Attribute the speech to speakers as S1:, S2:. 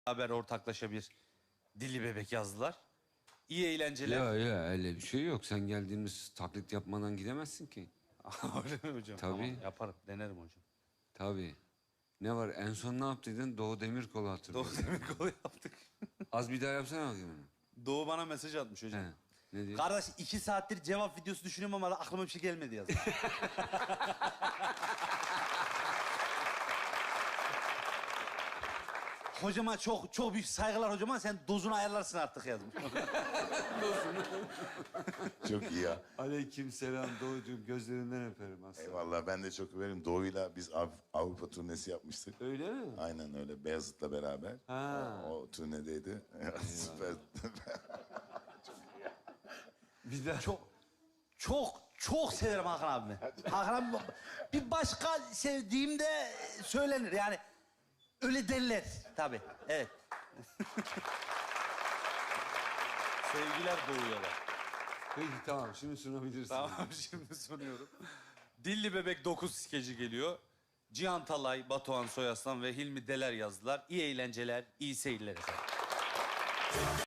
S1: beraber ortaklaşa bir Dilli Bebek yazdılar. İyi eğlenceler.
S2: Ya öyle bir şey yok. Sen geldiğimiz taklit yapmadan gidemezsin ki.
S1: Öyle mi hocam?
S2: Tabii.
S1: Tamam, yaparım, denerim hocam.
S2: Tabii. Ne var? En son ne yaptıydın? Doğu Demirkol'u hatırlıyorum.
S1: Doğu Demirkol'u yaptık.
S2: Az bir daha yapsana bakayım onu.
S1: Doğu bana mesaj atmış hocam.
S2: He. Ne diyor?
S1: Kardeş 2 saattir cevap videosu düşünüyorum ama aklıma bir şey gelmedi yazdı. Hocama çok büyük saygılar hocama. Sen dozunu ayarlarsın artık yazmış.
S3: Çok iyi ya.
S2: Aleykümselam Doğucuğum. Gözlerinden öperim aslında.
S3: Eyvallah ben de çok överim. Doğu'yla biz Avrupa turnesi yapmıştık.
S2: Öyle mi?
S3: Aynen öyle. Beyazıt'la beraber.
S2: Ha.
S3: O turnedeydi. Süper.
S2: Bir daha.
S1: Çok severim Hakan abimi. Hakan abi bir başka sevdiğim de söylenir yani. Öyle derler tabii. Evet. Sevgiler Doğu'ya da.
S2: Peki tamam şimdi sunabilirsin.
S1: Tamam şimdi sunuyorum. Dilli Bebek 9 skeci geliyor. Cihan Talay, Batuhan Soyaslan ve Hilmi Deler yazdılar. İyi eğlenceler, iyi seyirler efendim.